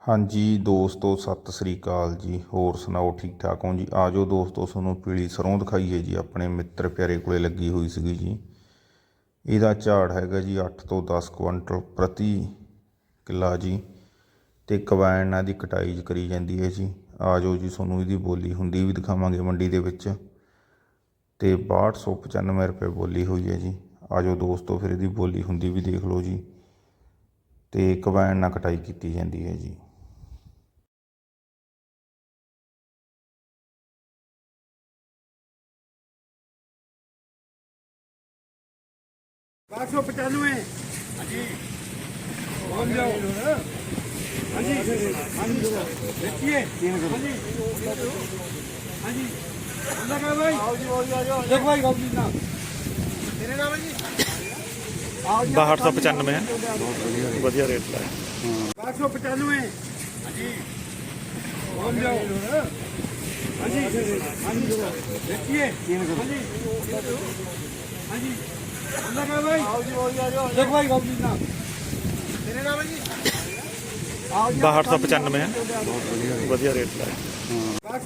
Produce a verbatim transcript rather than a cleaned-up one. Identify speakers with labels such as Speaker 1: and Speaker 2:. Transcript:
Speaker 1: ਹਾਂਜੀ ਦੋਸਤੋ, ਸਤਿ ਸ੍ਰੀ ਅਕਾਲ ਜੀ। ਹੋਰ ਸੁਣਾਓ, ਠੀਕ ਠਾਕ ਹੋ ਜੀ? ਆ ਜਾਓ ਦੋਸਤੋ, ਤੁਹਾਨੂੰ ਪੀਲੀ ਸਰੋਂ ਦਿਖਾਈਏ ਜੀ। ਆਪਣੇ ਮਿੱਤਰ ਪਿਆਰੇ ਕੋਲੇ ਲੱਗੀ ਹੋਈ ਸੀਗੀ ਜੀ। ਇਹਦਾ ਝਾੜ ਹੈਗਾ ਜੀ ਅੱਠ ਤੋਂ ਦਸ ਕੁਇੰਟਲ ਪ੍ਰਤੀ ਕਿੱਲਾ ਜੀ। ਅਤੇ ਕੰਬਾਈਨ ਨਾਲ ਦੀ ਕਟਾਈ ਕਰੀ ਜਾਂਦੀ ਹੈ ਜੀ। ਆ ਜਾਓ ਜੀ, ਤੁਹਾਨੂੰ ਇਹਦੀ ਬੋਲੀ ਹੁੰਦੀ ਵੀ ਦਿਖਾਵਾਂਗੇ ਮੰਡੀ ਦੇ ਵਿੱਚ। ਅਤੇ ਬਾਹਠ ਸੌ ਪਚਾਨਵੇਂ ਰੁਪਏ ਬੋਲੀ ਹੋਈ ਹੈ ਜੀ। ਆ ਜਾਓ ਦੋਸਤੋ, ਫਿਰ ਇਹਦੀ ਬੋਲੀ ਹੁੰਦੀ ਵੀ ਦੇਖ ਲਓ ਜੀ। ਅਤੇ ਕੰਬਾਈਨ ਨਾਲ ਕਟਾਈ ਕੀਤੀ ਜਾਂਦੀ ਹੈ ਜੀ।
Speaker 2: बारह सौ पचानवे। हाँ बोल जाओ। हाँ जी हाँ जी देखिए। हाँ जी हाँ जी क्या भाई? देख भाई गाँव जी नाम तेरे नाम है जी।
Speaker 3: बाहठ सौ पचानवे है, बढ़िया रेट का है।
Speaker 2: बारह सौ पचानवे। हाँ जी बोल जाओ। हाँ जी हाँ जी देखिए। हाँ जी हाँ जी क्या भाई? देख भाई गाँव जी नाम तेरे नाम है जी।
Speaker 3: बाहठ सौ पचानवे है, बढ़िया रेट का है।